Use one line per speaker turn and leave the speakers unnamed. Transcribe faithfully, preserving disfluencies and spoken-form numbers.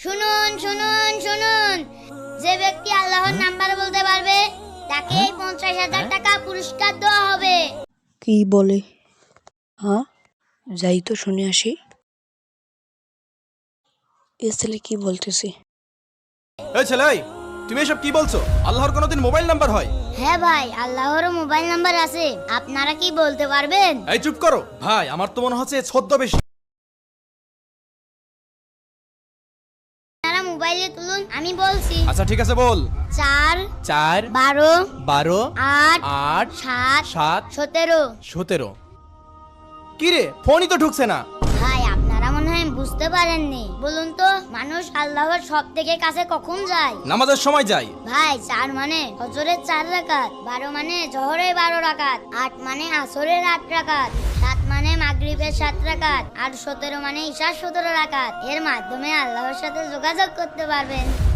শুনুন শুনুন শুনুন, যে ব্যক্তি আল্লাহর নাম্বার বলতে পারবে তাকে পঞ্চাশ হাজার টাকা পুরস্কার দেওয়া হবে।
কি বলে? হ্যাঁ, যাই তো শুনে আসি এ ছেলে কি বলতেছে।
এই ছেলে, এই, তুমি এসব কি বলছো? আল্লাহর কোনোদিন মোবাইল নাম্বার হয়?
হ্যাঁ ভাই, আল্লাহরও মোবাইল নাম্বার আছে। আপনারা কি বলতে পারবেন?
এই চুপ করো ভাই, আমার তো মনে হচ্ছে ছদ্মবেশী।
আপনারা মোবাইলে তুলুন, আমি বলছি।
আচ্ছা ঠিক আছে, বল।
চার
চার
বারো
বারো
আট
আট
সাত
সাত
সতেরো।
সতেরো। কি রে, ফোনই তো ঢুকছে না।
ভাই আপনারা মনে হয় বুঝতে পারেননি। বলুন তো, মানুষ আল্লাহর সব থেকে কাছে কখন যায়?
নামাজের সময় যাই।
ভাই চার মানে ফজরের চার রাকাত, বারো মানে জোহরের বারো রাকাত, আট মানে আসরের আট রাকাত, সাত মানে মাগরিবের সাত রাকাত, আর সতেরো মানে ঈশার সতেরো রাকাত। এর মাধ্যমে আল্লাহর সাথে যোগাযোগ করতে পারবেন।